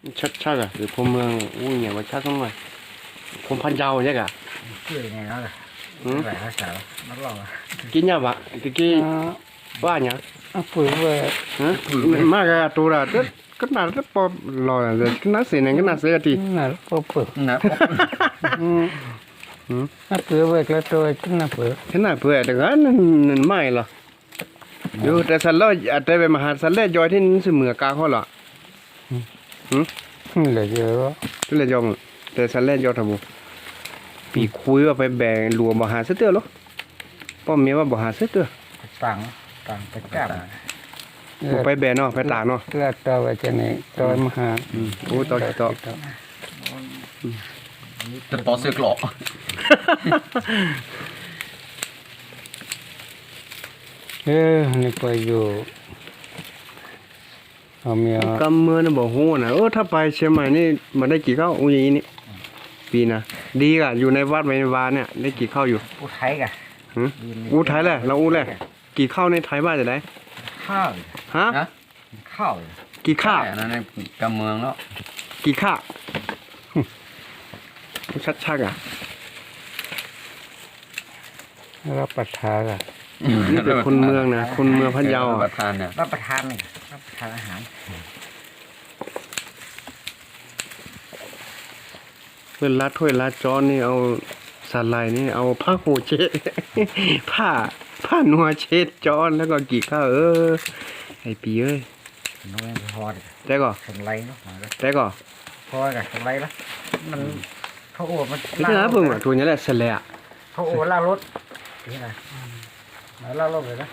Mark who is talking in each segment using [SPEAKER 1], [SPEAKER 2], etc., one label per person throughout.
[SPEAKER 1] ชักอ่ะหรือพมเมืองอู้เนี่ยว่าชักต้องหน่อยพมพันยาวเนี่ยกะ
[SPEAKER 2] ชื่อยังไงแล้วล่ะหลายภาษานักร้องอ่ะ
[SPEAKER 1] กินยาบะกี้ว่าเนี่ย
[SPEAKER 3] ปุ๋ยเว้ย
[SPEAKER 1] ฮะมากอะตัวละก็น่าจะพอรอเลยก็น่าเสียเนี่ยก็น่าเสียที
[SPEAKER 3] น่ะพอปุ๋ย
[SPEAKER 2] นะ
[SPEAKER 3] น่ะปุ๋ยเว้ยแล้วตัวน่ะปุ๋ย
[SPEAKER 1] thế nào vừa được á nên mai là dù tại sao lo tại về mà hạt sao lấy giỏi thì sự mưa cao hơn là
[SPEAKER 3] เหลือเยอะ
[SPEAKER 1] tức là do tại sao lấy giỏi thằng bố bị khui vào phải bè lùa bỏ hạt sét tiêu lúc bỏ mía vào bỏ hạt sét tiêu
[SPEAKER 2] ต่างไปแก้ม
[SPEAKER 1] bỏ phải bè nó phải tả nó
[SPEAKER 3] เลือดตัวไว้จะไหนตัวมหา
[SPEAKER 1] ô to
[SPEAKER 2] จะต่อเสือกหลอก
[SPEAKER 3] นี่ก็อยู่เอาเมีย
[SPEAKER 1] cầm mưa nó bỏ hô nèถ้าไปเชียงใหม่นี่มาได้กี่ข้าวอุ้ยนี่ปีนะดีอ่ะอยู่ในวัดในวาเนี่ยได้กี่ข้าวอยู่
[SPEAKER 2] อู้ไทยกะ
[SPEAKER 1] อู้ไทยแหละเราอู้แหละกี่ข้าวในไทยบ้านจะได้
[SPEAKER 2] ข้าว
[SPEAKER 1] ฮะ
[SPEAKER 2] ข้าว
[SPEAKER 1] กี่ข้าว
[SPEAKER 2] นั่นในกำเมืองแล้ว
[SPEAKER 1] กี่ข้าวชักอ่ะ
[SPEAKER 3] รับประทานอ่ะ
[SPEAKER 1] นี่เป็นคนเมืองนะคนเมืองพัทยา
[SPEAKER 2] รับ
[SPEAKER 1] อ่ะ
[SPEAKER 2] ประทานเนี่ยรับประทานนี่รับประทานอาหาร
[SPEAKER 1] เพื่อนรัดถ้วยรัดจ้อนนี่เอาสาลายนี่เอาผ้าหูเช็ด ผ้านัวเช็ดจ้อนแล้วก็กี่ข้าวไอปีเอ้ย
[SPEAKER 2] น้องพอด
[SPEAKER 1] แต่ก็
[SPEAKER 2] สไลด์เนาะ
[SPEAKER 1] แต่ก็
[SPEAKER 2] พอกับสไลด์ละมันเขาโอ้มัน
[SPEAKER 1] นี่คือนะเพิ่งว่าตัวนี้แหละเสร็จแล้ว
[SPEAKER 2] เขาโอ้ล่ารถนี่นะมาล่ารถเลยนะ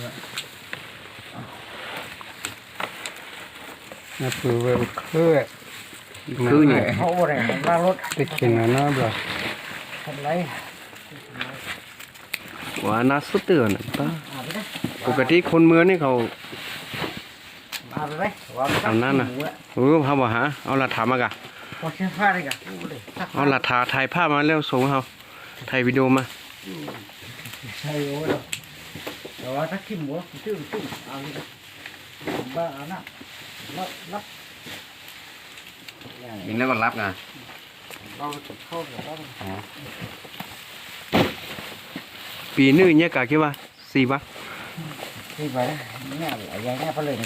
[SPEAKER 3] น่ะปุ๋ยเว้ยคือ
[SPEAKER 1] คือเนี่ย
[SPEAKER 2] เขาโอ้เนี่ยล่ารถ
[SPEAKER 3] ไปกินอ่ะเนาะบ่
[SPEAKER 2] สไลด์
[SPEAKER 1] ว่าน่าสุดเตือนป้าปกติคนเมืองนี่เขา
[SPEAKER 2] มาเลยว่า
[SPEAKER 1] เอานั่นน่ะเขาบอกหาเอาหลักฐานมากะ
[SPEAKER 2] พอเชื่อผ้าเลยกะ
[SPEAKER 1] เอาหลักฐานถ่ายภาพมาแล้วส่งเขาถ่ายวิดีโอมา
[SPEAKER 2] ใช่โอ้ยแต่ว่าถ้าขี้หมูตื้อเอาเลยบ้านะรับ
[SPEAKER 4] ยิงแล้วก็รับไง
[SPEAKER 2] เราเข้าเดี๋ยวเรา
[SPEAKER 1] ปีนึงเนี่ยกะคิดว่า4 บาท
[SPEAKER 2] ที่ไปเนี่ยอย่างเงี้ยไปเลย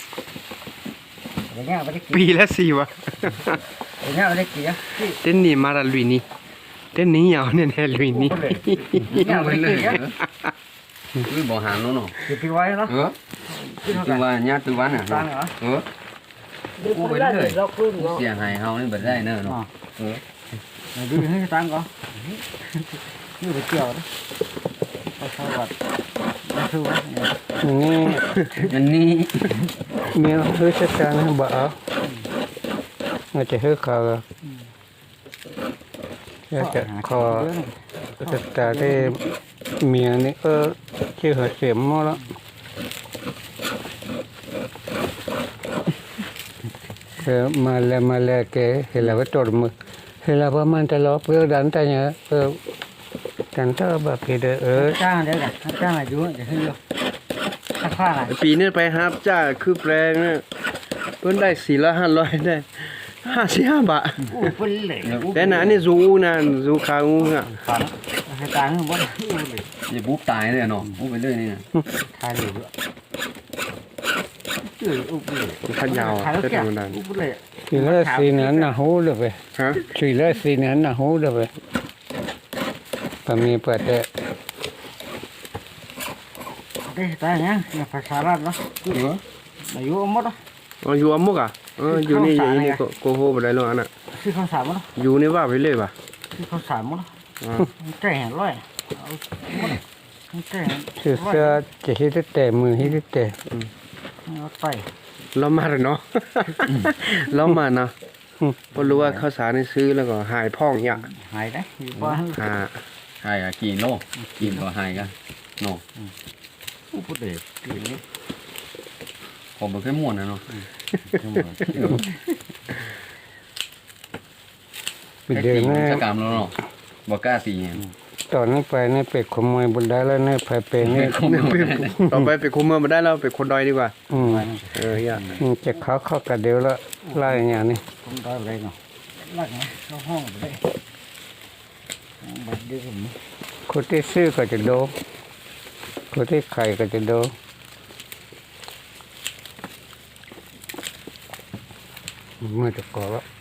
[SPEAKER 2] อย่างเงี้ยไปได้กี่
[SPEAKER 1] ปีละ4 บาท
[SPEAKER 2] อย่างเงี้ยไปได้กี่อ่ะที่
[SPEAKER 1] เต้นนี่มาละลุยนี่เต้นนี้ยาวเนี่ยแน่ลุยนี่
[SPEAKER 2] เนี่ยไปได้กี่อ่ะ
[SPEAKER 4] คือบ่หางนู้นเนาะ
[SPEAKER 2] คือพี่ไว้เนาะ
[SPEAKER 4] คือว่าญาติวันอ่ะ
[SPEAKER 2] ตั้งเหรอ
[SPEAKER 4] กูไปเลยเสียหายเฮานี่บ่ได้เนาะ
[SPEAKER 2] ดูให้ตั้งก่อนนี่ไปเกี่ยวนะไปสวัสดิ์มาคือว่า
[SPEAKER 3] นี่
[SPEAKER 4] อันนี้
[SPEAKER 3] เมียเฮ้ยจัดการให้บ่เอาอาจจะเฮ้ยเขาอยากจะขอจัดการได้เมียนี่ชื่อเสียมมาแล้วมาแล้วแกเห็นแล้วว่าจดมือเห็นแล้วว่ามันจะล้อเพื่อดันแต่เนี่ยกันเท่าแบบเด้อ
[SPEAKER 2] จ้างเดี๋ยวกันจ้างอะไรอยู่เดี๋ยวให้ดูถ้าผ้าอะไร
[SPEAKER 1] ปีนี้ไปฮับจ้าคือแปลงเนี่ยเพิ่นได้400-500ได้55 บาท
[SPEAKER 2] อู้เป็นเหล็ก
[SPEAKER 1] แต่น่ะนี่ซูนะซูคางูอ่ะ
[SPEAKER 2] ฝันให้ตายให้หมดอู้เหล็ก
[SPEAKER 4] อย่าบุ๊บตายเลยเนาะบุ๊บไปเลยนี่
[SPEAKER 2] ทายเหล็กอู้เหล็ก
[SPEAKER 1] พันยาว
[SPEAKER 2] ทายแล้ว
[SPEAKER 1] เต้น
[SPEAKER 2] แก่
[SPEAKER 1] ธรรมดา
[SPEAKER 2] อู้เหล็ก
[SPEAKER 3] สี่ร้อยสี่นั้นน่ะหูเด้อไป
[SPEAKER 1] ฮะ
[SPEAKER 3] 404นั้นน่ะหูเด้อไปปะมีเปิดแต่
[SPEAKER 2] เด้ตายเนี่ยภาษาลาวเนาะอายุหมดอ่ะ
[SPEAKER 1] อ๋ออยู่อมุกอ่ะอยู่นี่อยู่นี่โกโหบ่ได้แล้วอันน่ะ
[SPEAKER 2] คือข้าวสารมั้ง
[SPEAKER 1] อยู่นี่ว่าไปเลยป่ะ
[SPEAKER 2] คือข้าวสารมั้งแก่ร้อยเอาหมดแก่
[SPEAKER 3] เสื้อจะฮิตแต่มือฮิตแต่
[SPEAKER 2] เอาไป
[SPEAKER 1] เรามาแล้วเนาะเรามาเนาะพอรู้ว่าข้าวสารนี่ซื้อแล้วก็หายพ่องเนี่ย
[SPEAKER 2] หายได้อยู่บ้าน
[SPEAKER 1] หา
[SPEAKER 4] หายกี่โลกินก็หายกันเนาะ
[SPEAKER 2] อู้พูดเลยกินนี่
[SPEAKER 4] ผมบ่เคยม่วนนะเนาะ
[SPEAKER 3] เดี๋ยวนี้
[SPEAKER 4] จะกรรมแล้วเนาะบ่กล้าตี
[SPEAKER 3] ตอนนี้ไปนี่ไปขโมยบนได้แล้วนี่ไปนี่
[SPEAKER 1] ต่อไปไปคุมเมืองมาได้แล้วไปคนดอยดีกว่า
[SPEAKER 3] อืม
[SPEAKER 1] เฮีย
[SPEAKER 3] จะเขาเข้ากับเดียวแล้วไล่อย่างนี้
[SPEAKER 2] không có đây nào lắc này nó hoang ở đây bật đi cũng
[SPEAKER 3] คนที่ซื้อก็จะโดนคนที่ขายก็จะโดนเมื่อจะก่อแล้ว